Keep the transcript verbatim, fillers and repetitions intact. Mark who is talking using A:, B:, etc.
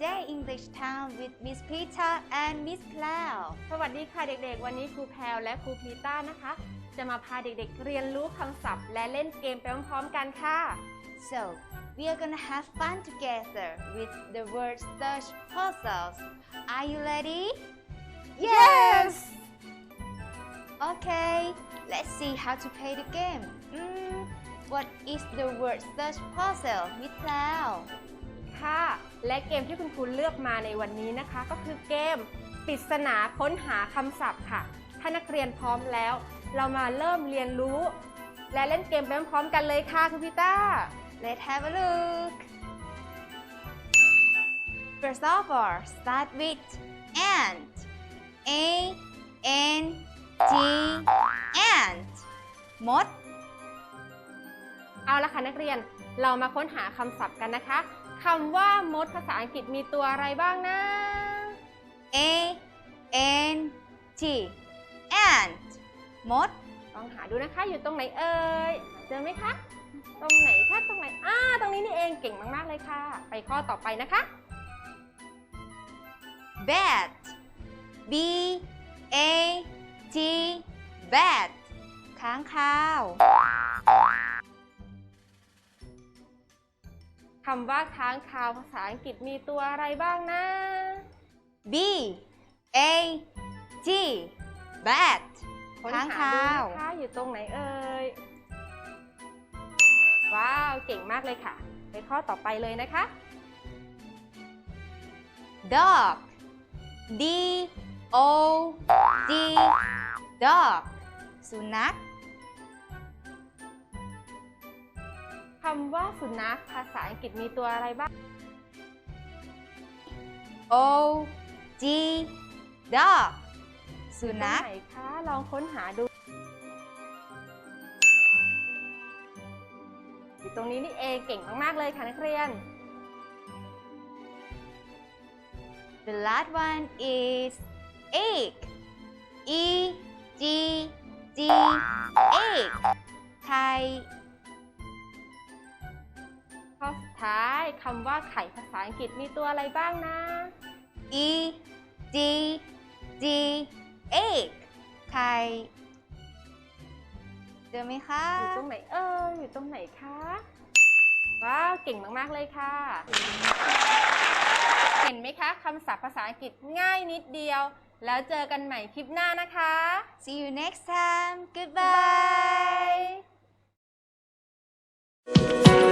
A: Today English Time with Miss Peter and Miss Cloud
B: สวัสดีค่ะเด็กๆวันนี้ครูแพรวและครูพีต้านะคะจะมาพาเด็กๆเรียนรู้คำศัพท์และเล่นเกมไปพร้อมๆกันค่ะ
A: So we are gonna have fun together with the word search puzzles. Are you ready?
B: Yes
A: Okay, let's see how to play the game. Mm, what is the word search puzzle, Miss Cloud?
B: ค่ะและเกมที่คุณครูเลือกมาในวันนี้นะคะก็คือเกมปริศนาค้นหาคำศัพท์ค่ะถ้านักเรียนพร้อมแล้วเรามาเริ่มเรียนรู้และเล่นเกมไปพร้อมๆกันเลยค่ะคุณพีต้า
A: Let's have a look. First of all, start with ant. A N T ant. มด
B: เอาละค่ะนักเรียนเรามาค้นหาคำศัพท์กันนะคะคำว่ามดภาษาอังกฤษมีตัวอะไรบ้างนะ
A: A N T ant มด
B: ลองหาดูนะคะอยู่ตรงไหนเอ่ยเจอไหมคะตรงไหนคะตรงไหนอ่าตรงนี้นี่เองเก่งมากๆเลยค่ะไปข้อต่อไปนะคะ
A: bat B A T bat ค้างคาว
B: คำว่าค้างคาวภาษาอังกฤษมีตัวอะไรบ้างนะ
A: B A T bat
B: ค้น
A: ค้าง
B: หา
A: คา
B: ดู
A: ว
B: นะคะอยู่ตรงไหนเอ่ยว้าวเก่งมากเลยค่ะไปข้อต่อไปเลยนะคะ
A: dog D O G dog สุนัข
B: คำว่าสุนัขภาษาอังกฤษมีตัวอะไรบ้าง
A: O G dog สุนัข
B: ตรงไหนคะลองค้นหาดูอยู่ตรงนี้นี่เองเก่งมากๆเลยค่ะนักเรียน
A: The last one is egg E G G egg ไข่
B: ข้อสุดท้ายคำว่าไข่ภาษาอังกฤษมีตัวอะไรบ้างนะ
A: E G G egg ไข่เจอไหมคะ
B: อยู่ตรงไหนเอ่ยอยู่ตรงไหนคะว้าวเก่งมากๆเลยค่ะ เห็นไหมคะคำศัพท์ภาษาอังกฤษง่ายนิดเดียว แล้วเจอกันใหม่คลิปหน้านะคะ
A: See you next time. Goodbye.
B: Bye